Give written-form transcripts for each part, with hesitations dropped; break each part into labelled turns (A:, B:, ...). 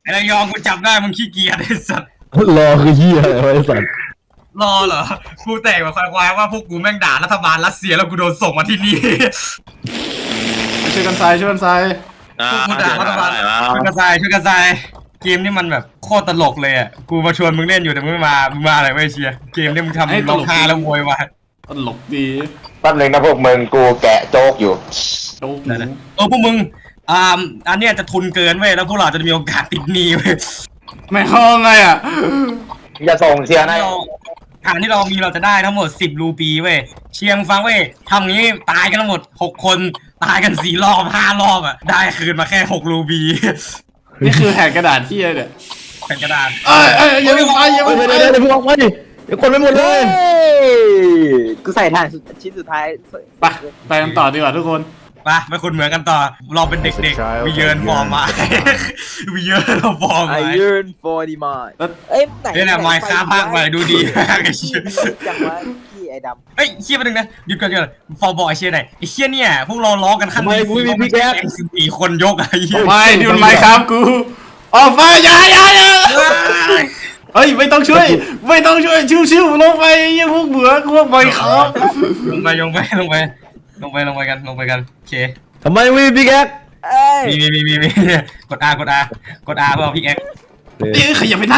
A: ไอ้ระยองกูจับได้มึงขี้เกียจไอ้สัตว์
B: รอคือเหี้ยอะไรวะไอ้สัตว์
A: รอเหรอกูแตกแบบควายๆว่าพวกกูแม่งด่ารัฐบาลรัสเซียแล้วกูโดนส่งมาที่นี่
C: ช่วยกันทรายช่วยกันทราย
A: พวกกูด่ารัฐบาลช่วยกระจายช่วยกระจายเกมนี่มันแบบโคตรตลกเลยอ่ะกูมาชวนมึงเล่นอยู่แต่มึงไม่มามึงมาอะไรไม่เชียร์เกมนี่มึงทำร้องไห้แล้วโวยวาย
C: ตลกดี
D: แป๊บนึงนะพวกมึงกูแกะโจ๊กอยู่
C: โจ๊กหมู
A: พวกมึงอันเนี้ยจะทุนเกินเว้ยแล้วพวกเราจะมีโอกาสติดหนี้เว้ย
C: ไม่เข้าไงอ่ะ
D: จะส่งเชียร์ให้
A: ฐานที่เรามีเราจะได้ทั้งหมด10รูปีเว้ยเชียงฟังเว้ยทำงี้ตายกันทั้งหมด6คนตายกัน4รอบ5รอบอ่ะได้คืนมาแค่6รูปี
C: นี่คือแหกกระดาษที่เนี่ย
A: แผ่นกระดาษ
C: อย่าไปไปอย่าไป
B: เดี๋ยว
C: ไป
B: เดี๋ยวเดี๋ยวพวกออกมาดิเดี๋ยวคนไม่หมดเลย
E: กูใส่ถ่านชิ้นสุดท้าย
C: ไปกันต่อดีกว่าทุกคน
A: ไปคุณเหมือนกันต่อเราเป็นเด็กๆวิเยินฟอร์มมาวิเยินฟอร์ม
E: ไอ
A: มา
E: ยืนfor demand เอ้ยไหน
A: เนี่ยนะไมค์ค้าภาคใหม่ดูดีมากไอ้เชี่ย
E: จังวะพี่ไอ้ดำ
A: เฮ้ยเชี่ยไปหนึ่งนะหยุดก่อนฟอร์บอยเชี่ยไหนไอ้เชี่ยเนี่ยพวกเราล้อกันขั้นสี่คนยกไอ้เหี้ย
C: ไม่นี่มันไม้ครับกูออกไปอย่าเฮ้ยไม่ต้องช่วยชิวๆลงไปยังพวกเบื่อพวกไม้ครับ
A: ลงไปกันโอเค
B: ทำไมไม่มีพี่แก๊ก
E: เอ้ย
A: มีกด R เปล่าพี่แอ๊ก
C: อย่าไปนั่ง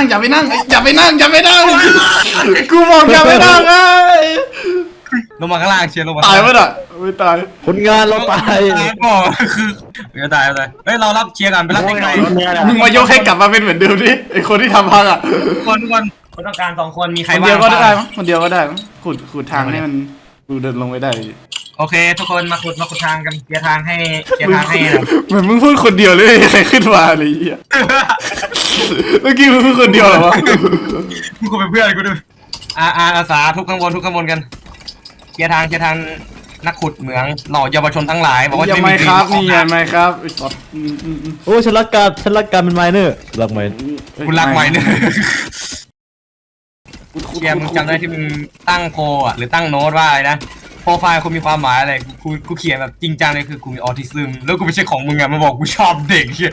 C: กูบอกอย่าไปนั่งไอ้
A: ลงมาข้างล่างเชียร์ลงมา
C: ตายมั้ยอ่ะไม่ตาย
B: ผลงานเราตาย
A: ก็คือจะตายเลยเฮ้ยเรารับเชียร์กันไปรับเด็กหน่อย
C: มึงมายกให้กลับมาเป็นเหมือนเดิมดิไอคนที่ทำพังอ่ะ
A: ทุกคนต้องการ2คนมีใคร
C: คน
A: ว่าง
C: เดียวก็ได้มั้งคนเดียวก็ได้มั้งขุดทางให้มันกูเดินลงไปได้
A: โอเคทุกคนมาขุดทางกันเคลียร์ทางให้นะ
C: เหมือนมึงพูดคนเดียวเลยใครขึ้นมาอะไรเงี้ยเมื่อกี้มึงพูดคนเดียวเหรอวะ
A: มึงกูเป็นเพื่อนกูด้วยอาสาทุกข้างบนกันเคลียร์ทางนักขุดเหมืองเหล่าเยาวชนทั้งหลายบอกว่า
C: อย่า
A: จะ
C: ไม่
A: มี
C: ครับนี่อย่าไม่ครับไอ้สัตว์
B: โอ้ฉันรักการเป็นไมเนอร์รักไม
A: คุณรักไว้เนี่ยเชียร์มึงจำได้ที่มึงตั้งโพอ่ะหรือตั้งโน้ตว่าอะไรนะโปรไฟล์คุณมีความหมายอะไรกูเขียนแบบจริงจังเลยคือกูมีออทิซึมแล้วกูไม่ใช่ของมึงอ่ะมาบอกกูชอบเด็กเฮีย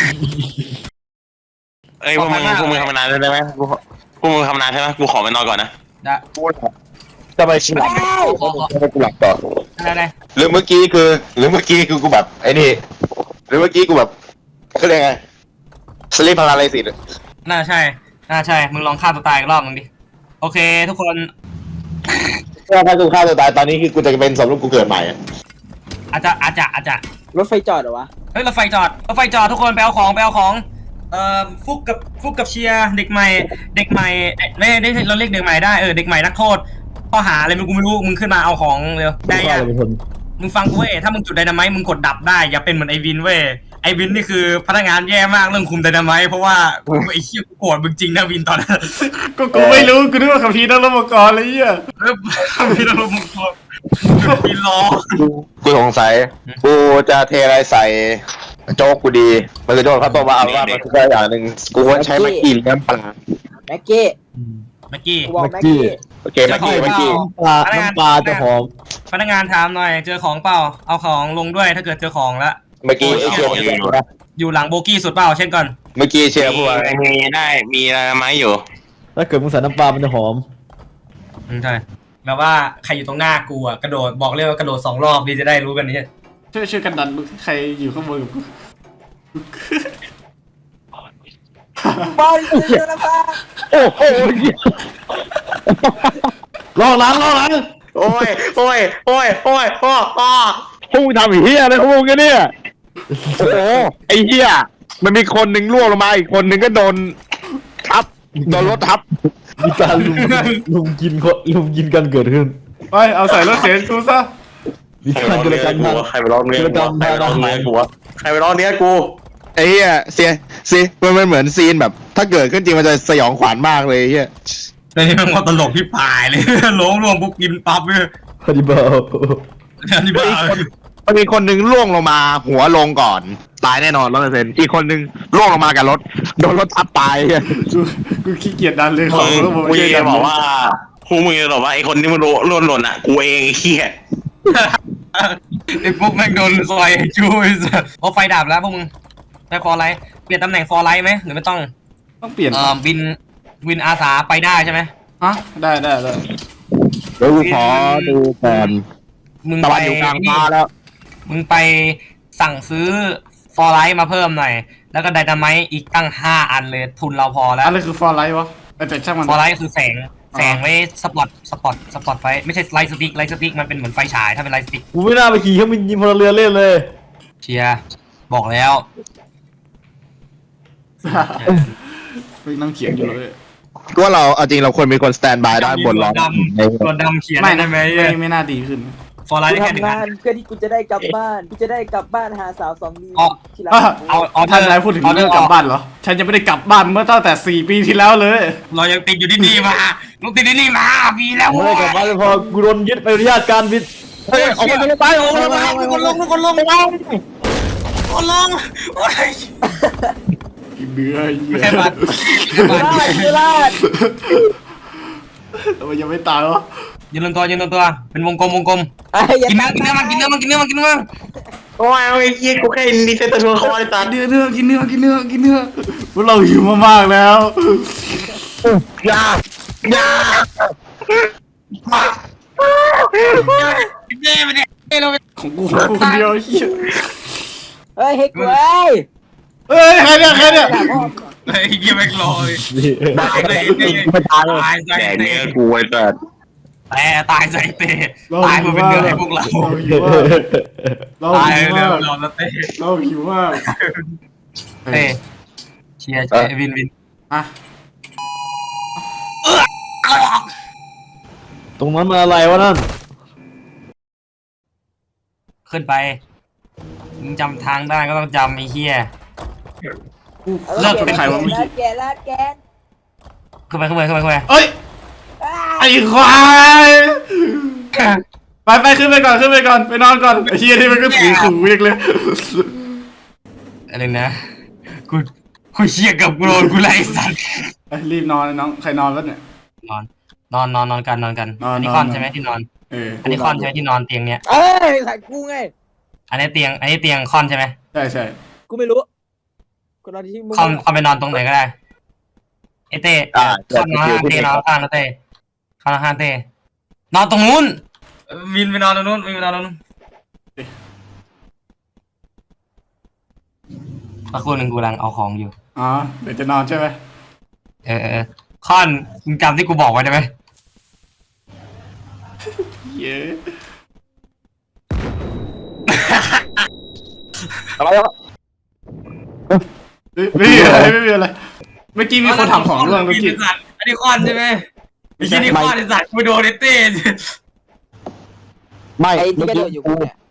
F: เอ้ยพวกมึงทำนานได้ไหมพวกมึงทำนานใช่ไหมกูขอไปนอนก่อนนะ
A: ได้
D: จะไปชิมให้กูหลับต่อ
A: ได้
D: หรือเมื่อกี้คือกูแบบไอ้นี่หรือเมื่อกี้กูแบบเขาเรียกไงสลีปพาราไลซิส
A: น่าใช่มึงลองฆ่าตัวตายอีกรอบมึงดิโอเคทุกคน
D: ถ้ากูฆ่าตัวตายตอนนี้คือกูจะเป็นสมรูปกูเกิดใหม่
A: อาจจะ
E: รถไฟจอดเหรอวะ
A: เฮ้ยรถไฟจอดทุกคนไปเอาของฟุกกับเชียร์เด็กใหม่ไม่ได้เราเรียกเด็กใหม่ได้เด็กใหม่นักโทษข้อหาอะไรกูไม่รู้มึงขึ้นมาเอาของเร็วได้ยังมึงฟังกูเว้ยถ้ามึงจุดไดนาไมต์มึงกดดับได้อย่าเป็นเหมือนไอวินเว้ยไอวินนี่คือพนักงานแย่มากเรื่องคุมไดนาไมต์เพราะว่าไอเชี่ยกูโกรธมึงจริงนะวินตอนนั้น
C: ก็กูไม่รู้กูนึกว่าขับพีนักรบกรอะไรเงี้ย
A: พี่เราลงมือวินล้อ
D: กูสงสัยกูจะเทอะไรใส่โจ๊กกูดีมันคือโจ๊กครับตัวว่าเอาว่ามันคืออย่างหนึ่งกูว่าใช้มากินน้ำปลา
E: แม็กกี้
A: เมื่อกี้
E: กูบอกแม็กกี้
D: โอเคเมื่อกี้
B: น้ำปลาจะหอม
A: พนักงานถามหน่อยเจอของเปล่าเอาของลงด้วยถ้าเกิดเจอของแล้ว
D: เมื่อกี้ไอ้เชียร์
A: อยู่หลังโบกี้สุดเปล่าเช่นก่อน
D: เมื่อกี้เชียร์พูดว่า
F: มีอะไรไหมอยู่
B: ถ้าเกิดมึงใส่น้ำปลามันจะหอม
A: ใช่แบบว่าใครอยู่ตรงหน้ากูอ่ะกระโดดบอกเลยว่ากระโดด2 รอบดีจะได้รู้กันนี่
C: ช่วยกันดันใครอยู่ข้างบนกับกู
E: บอลเจอแล้วป่ะ
D: โอ้โห
B: รอหลัง
D: โอ้ยพ่อพวกมึงทำเฮียอะไรของมึงกันเนี่ยโอ้โหไอ้เฮียมันมีคนหนึ่งล่วงลงมาอีกคนหนึ่งก็โดนรถทับ
B: มีการลุมกินกันเกิดขึ้น
C: ไปเอาใส่รถเข็นกูซะ
B: มีการกิจกรรม
F: ใครไปร้องเนื้อกูใครไปร้องเนื้อกู
D: ไอ้เฮียซีมันเหมือนซีนแบบ ถ้าเกิดขึ้นจริงมันจะสยองขวัญมากเลยเฮีย
A: แต่นี่มันก็ตลกที่ปลายเลย ล้มรวมปุ๊บกินปั๊บเลย
B: ฮันนี่เบล
A: อันนี้บ้า
D: มันมีคนหนึ่งล่วงลงมาหัวลงก่อน ตายแน่นอน100%อีกคนหนึ่งล่วงลงมากับรถโดนรถทับตายเฮีย
C: กูขี้เกียจดันเลยของ
F: กูจะบอกว่าพวกมึงจะบอกว่าไอ้คนที่มันหล่นอ่ะกูเองไอ้เหี้ย
A: ไอ้พวกแม่งโดนซอยจูไอ้สัสเอาไฟดับแล้วพวกมึงได้ฟอร์ไลท์เปลี่ยนตำแหน่งฟอร์ไลท์ไหมหรือไม่ต้อง
C: ต้องเปลี่ยน
A: วินอาสาไปได้ใช่ไหม
C: ฮะได้
D: เดี๋ยวกูขอดูก่อน
A: มึง
D: ตะ
A: ไป
D: วันอยู่กลางฟ้าแล้ว
A: มึงไปสั่งซื้อฟอร์ไลท์มาเพิ่มหน่อย แล้วก็ไดนาไมต์อีกตั้ง5 อันเลยทุนเราพอแล้ว
C: อะไรคือฟอร์ไลท์วะแต่ช่างมัน
A: ฟอร์ไลท์คือแสงไว้สปอตไฟไม่ใช่ไลท์สติ๊กมันเป็นเหมือนไฟฉายถ้าเป็นไลท์สติ๊ก
B: กูไม่น่าไปขี่เครื่องบินยิงพลเรือนเล่นเลย
A: เชียร์บอกแล้ว
C: ไม่นั่งเขียนอยู่เลย
D: ก็เราเอาจริงเราควรมีคนสแตนบายด้านบนล้อ
A: ตัวดำเขียน
C: ไม่
A: ได้
C: นะ
A: ไหม
C: ไม่น่าดีขึ้น
A: ฟอร์ไลท์
E: กู
A: ได้แค่หนึ่ง
E: ทำ
A: อั
E: งาน
A: น
E: เพื่อที่กูจะได้กลับบ้านกูจะได้กลับบ้านหาสาว2 นิ้วที่รัก
A: เอา
C: ท่านนายพูดถึงเรื่องกลับบ้านเหรอ ฉันจะไม่ได้กลับบ้านเมื่อตั้งแต่4 ปีที่แล้วเลย
A: เรายังติดอยู่ที่นี่มาลูกติดที่นี่มาปีแล้ว
B: ไม่ได้กลับบ้านเลยพอกูโดนยึดใบอนุญาตการบิน
A: เฮ้ยออกมาไปออกมาไปทุกคนลงโอ้ย
C: เบื่อ
A: ไม่ใช่บัตร
E: ลาด
C: ทำไมยังไม่ตายวะ
A: ยืนตัวเป็นวงกลม
E: ไอ้ยั
A: กินเนื้อมัน
F: โอ้ยไอ้เหี้ยกูแค่รีเซ็ตตัวคอเลยตา
C: กินเนื้อกินเนื้อพวกเราหิวมากๆแล้ว
F: อย่า
A: เด้ไปเนี่ยเรา
C: ของกูคนเดียวเหี้ย
E: เฮ้ยเฮ้ยกูเอ้ย
C: เฮ้ยใครเนี่ย
A: ไอ้เหี้ยแม่งรอเลย
D: ไม่ตายเลย
A: ตายใส่
F: แดก
A: เตะ
F: เนื้อกูไอ้สัส
A: แต่ตายใส่เตะตายมาเป็นเนื้อให้พวกเรา
C: เรา
A: ตาย
C: หิว
A: เนื้
C: มา
A: อก เราแล้วเตะ
C: เราหิวมาก
A: เตะเชียร์วิน
C: อ่ะ
B: ตรงนั้นมันอะไรวะนั่น
A: ขึ้นไปมึงจำทางได้ก็ต้องจำไอ้เหี้ย เลิกเป็นใครวะ
E: ลาดแกลาดแกน
A: ขึ้นไป
C: เอ้ยไอ้ควายไปขึ้นไปก่อนไปนอนก่อนไอ้เฮียนี่มันก็ถือขู่เรียกเลย
A: อะไรนะกูเชียร์กับกูโดนกูไล่สัตว์
C: รีบนอนน้องใครนอนแล้วเนี่ย
A: นอนกันอันนี้คอนใช่ไหมที่นอน อันนี้คอนใช่ไหมที่นอนเตียงเนี้ย
E: เอ้ยใส่กูไง
A: อันนี้เตียงคอนใช่ไหม
C: ใช่
E: กูไม่รู้กูนอนที่มึง
A: คอนไปนอนตรงไหนก็ได้ไอเต้คอนนอนข้างเต้นอนข้างนะเต้คอนนอนข้างเต้นอนตรงนู้นวินไปนอนตรงนู้นสักครู่หนึ่งกูกำลังเอาของอยู่
C: อ๋อเดี๋ยวจะนอนใช่ไหม
A: คอนมึงจำที่กูบอกไว้ได้ไหม
C: เย้
D: อะไรวะ
C: ไม่มีอะไรเมื่อกี้มีคนทำของร่วงเมื่อกี้
A: อันนี้คอนใช่ไหมไอ้ที่นี่คอนไอ้สัตว์กูโดนไอ้เต้
D: ไม่
E: ไอ้ที่
D: เมื่อก
E: ระโด
D: กี้
E: ดอยู่กูเนี่ย